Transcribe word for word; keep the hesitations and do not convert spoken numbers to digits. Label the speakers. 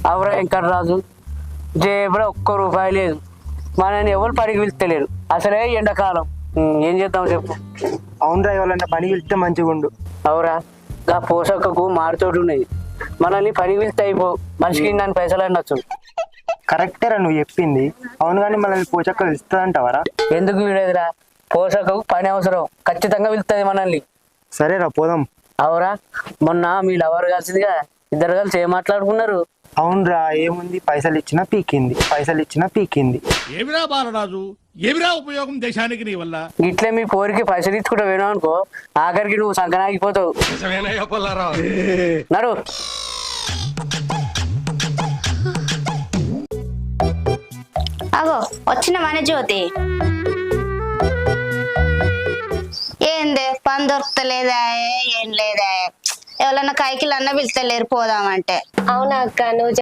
Speaker 1: అవరా వెంకటరాజు జేబులో ఒక్క రూపాయి లేదు, మనని ఎవరు పనికి పిలుస్తలేరు. అసలే ఎండాకాలం, ఉమ్, ఏం చేద్దాం చెప్పు.
Speaker 2: అవునరా, ఎవరన్నా పని వెళ్తే మంచిగా ఉండు.
Speaker 1: అవురా, ఆ పోషకకు మారుతోటి ఉన్నది, మనల్ని పనికి పిలిస్తే అయిపో, మనిషికి దాని పైసలు అనొచ్చు.
Speaker 2: కరెక్టేరా నువ్వు చెప్పింది. అవును కానీ మనల్ని పోచక్క ఇస్తుందంటావరా?
Speaker 1: ఎందుకు వీడేదిరా, పోషకకు పని అవసరం, ఖచ్చితంగా పిలుస్తుంది మనల్ని.
Speaker 2: సరేరా పోదాం.
Speaker 1: అవురా, మొన్న మీ లవర్ కలిసిందిగా, ఇద్దరు కలిసి ఏం మాట్లాడుకున్నారు?
Speaker 2: అవునరా, ఏముంది, పైసలు ఇచ్చినా పీకింది, పైసలు ఇచ్చినా పీకింది.
Speaker 3: ఏమిరా బాలరాజు, ఏమిరా ఉపయోగం దేశానికి నీ వల్ల?
Speaker 1: ఇట్లే మీ పోరికి పైసలు ఇచ్చుకుంటా పోయినావు అనుకో, ఆఖరికి నువ్వు సంకనాగిపోతావు. నడు.
Speaker 4: అగో వచ్చిన మన జ్యోతి. ఏందే పని దొరుకుతలేదా? ఏం లేదా? ఎవరన్నా కైకిలు అన్న పిలుస్తలేరు పోదామంటే.
Speaker 5: అవునా అక్క, నువ్వు